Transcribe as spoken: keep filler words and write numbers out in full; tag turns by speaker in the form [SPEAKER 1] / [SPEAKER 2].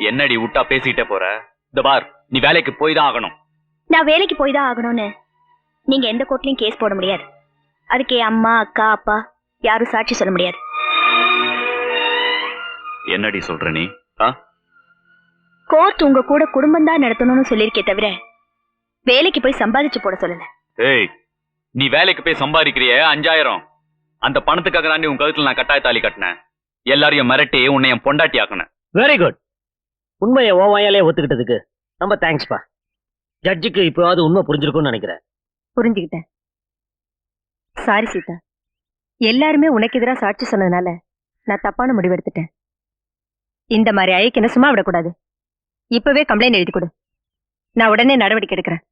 [SPEAKER 1] என்னடி விட்டா பேசிட்டே போற? இந்த பார், நீ வேலைக்கு போய் தான் ஆகணும்.
[SPEAKER 2] நான் வேலைக்கு போய் தான் ஆகணும்னு நீங்க எந்த கோர்ட்லயும் கேஸ் போட முடியாது. அதுக்கு என் அம்மா அக்கா அப்பா யாரும் சாட்சி சொல்ல முடியாது.
[SPEAKER 1] என்னடி சொல்ற நீ?
[SPEAKER 2] கோர்ட் உங்க கூட குடும்பம் தான் நடத்தணும்னு சொல்லிருக்கே தவிர வேலைக்கு போய் சம்பாதிச்சு போட சொல்லல.
[SPEAKER 1] ஏய், நீ வேலைக்கு போய் சம்பாதிக்கிறிய அஞ்சாயிரம், அந்த பணத்துக்காக தாண்டி உன் கழுத்துல நான் கட்டாய தாலி கட்டினேன். எல்லாரையும் மிரட்டி உன்னை என் பொண்டாட்டி ஆக்கணும்.
[SPEAKER 3] Very good. உண்மையை ஓ வாயாலே ஒத்துக்கிட்டதுக்கு ரொம்ப தேங்க்ஸ்பா. ஜட்ஜுக்கு இப்போவாது உண்மை புரிஞ்சிருக்கும்னு நினைக்கிறேன்.
[SPEAKER 2] புரிஞ்சுக்கிட்டேன். சாரி சீதா, எல்லாருமே உனக்கு எதிராக சாட்சி சொன்னதுனால நான் தப்பான முடிவு எடுத்துட்டேன். இந்த மாதிரி ஐக்கு என்ன சும்மா விடக்கூடாது. இப்பவே கம்ப்ளைண்ட் எழுதி கொடு, நான் உடனே நடவடிக்கை எடுக்கிறேன்.